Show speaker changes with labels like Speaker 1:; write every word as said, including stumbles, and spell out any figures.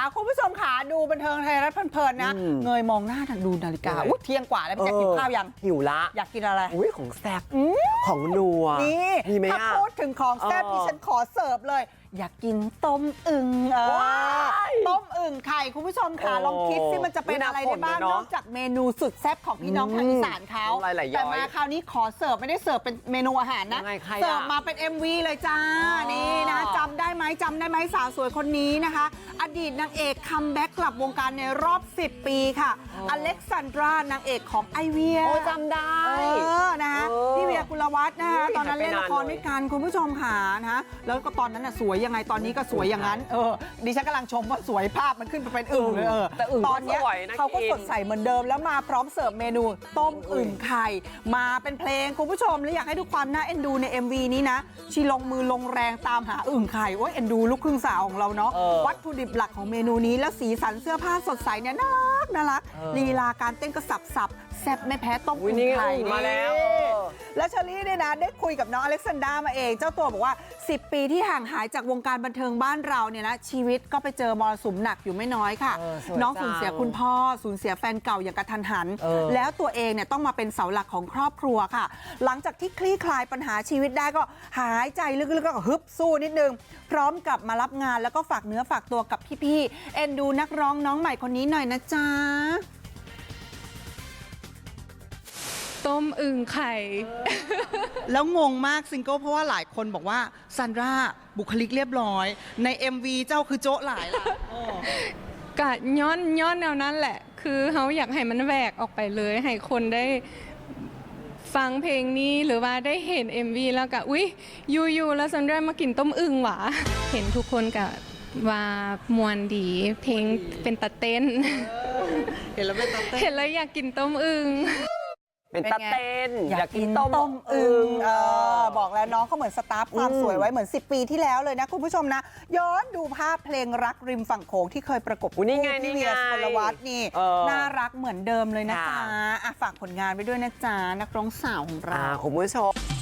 Speaker 1: คุณผู้ชมขาดูบันเทิงไทยรัฐเพลินๆนะเงยมองหน้าดูนาฬิกาอุ้ยเที่ยงกว่าแล้วพี่แจ๊คกินข้าวยัง
Speaker 2: หิวละ
Speaker 1: อยากกินอะไร
Speaker 2: อุ้ยของแซ่บของนัว
Speaker 1: นี่ถ้าพูดถึงของแซ่บดิฉันขอเสิร์ฟเลยอยากกินต้มอึ่งเออต้มอึ่งไข่คุณผู้ชมค่ะลองคิดสิมันจะเป็นอะไรได้บ้างนอกจากเมนูสุดแซ่บของพี่น้องทางอีสานเขาแต่มาคราวนี้ขอเสิร์ฟไม่ได้เสิร์ฟเป็นเมนูอาหารนะเสิร์ฟมาเป็น เอ็ม วี เลยจ้านี่นะจำได้ไหมจำได้ไหมสาวสวยคนนี้นะคะอดีตนางเอกคัมแบ็กกลับวงการในรอบสิบปีค่ะอเล็กซานดรานางเอกของไอเวีย
Speaker 2: โอ้จำได้
Speaker 1: เออนะคะพี่เวียกุลวัฒน์นะคะตอนนั้นเล่นละครด้วยกันคุณผู้ชมค่ะนะแล้วก็ตอนนั้นน่ะสวยยังไงตอนนี้ก็สวยอย่างนั้นเออดิฉันกำลังชมว่าสวยภาพมันขึ้นไปเป็นอึ่งเลยเออตอนนี้เขาก็สดใสเหมือนเดิมแล้วมาพร้อมเสิร์ฟเมนูต้มอึ่งไข่มาเป็นเพลงคุณผู้ชมและอยากให้ดูความน่าเอ็นดูใน เอ็ม วี นี้นะชีลงมือลงแรงตามหาอึ่งไข่โอ้ยเอ็นดูลูกครึ่งสาวของเราเนาะวัตถุดิบหลักของเมนูนี้แล้วสีสันเสื้อผ้าสดใสเนี่ยน่ารักน่ารักลีลาการเต้นก็สับสับแซ่บไม่แพ้ต้มอึ่งไข่
Speaker 2: มาแล้ว
Speaker 1: แล้วเชอรี่เนี่ยนะได้คุยกับน้องอเล็กซานดรามาเองเจ้าตัวบอกว่าสิบปีที่ห่างหายจากวงการบันเทิงบ้านเราเนี่ยนะชีวิตก็ไปเจอมรสุมหนักอยู่ไม่น้อยค่ะน้องสูญเสียคุณพ่อสูญเสียแฟนเก่าอย่างกระทันหันแล้วตัวเองเนี่ยต้องมาเป็นเสาหลักของครอบครัวค่ะหลังจากที่คลี่คลายปัญหาชีวิตได้ก็หายใจลึกๆก็ฮึบสู้นิดนึงพร้อมกับมารับงานแล้วก็ฝากเนื้อฝากตัวกับพี่ๆเอ็นดูนักร้องน้องใหม่คนนี้หน่อยนะจ๊ะ
Speaker 3: ต้มอึ่งไข่
Speaker 1: แล้วงงมากซิงเกิลเพราะว่าหลายคนบอกว่าซันดราบุคลิกเรียบร้อยใน เอ็ม วี เจ้าคือโจ๊ะหลายล่ะ
Speaker 3: กะย้อนย้อนแนวนั้นแหละคือเขาอยากให้มันแหวกออกไปเลยให้คนได้ฟังเพลงนี้หรือว่าได้เห็น เอ็ม วี แล้วก็อุ๊ยยูๆแล้วซันดรามากินต้มอึ่งหวะเห็นทุกคนกับว่ามวนดีเพลงเป็นตะเต้น
Speaker 1: เห็นแล้วเป็นตะเต้น
Speaker 3: เห็นแล้วอยากกินต้มอึ่ง
Speaker 2: เป็นตะเต้น
Speaker 1: อยากกินต้มอึ่งเออบอกแล้วน้องเขาเหมือนสตาร์ฟความสวยไว้เหมือนสิบปีที่แล้วเลยนะคุณผู้ชมนะย้อนดูภาพเพลงรักริมฝั่งโขงที่เคยประกบคู่พี่เวียสุกลวัฒน์นี่น่ารักเหมือนเดิมเลยนะจ๊ะฝากผลงานไปด้วยนะจ๊ะนักร้องสาวของเรา
Speaker 2: คุณผู้ชม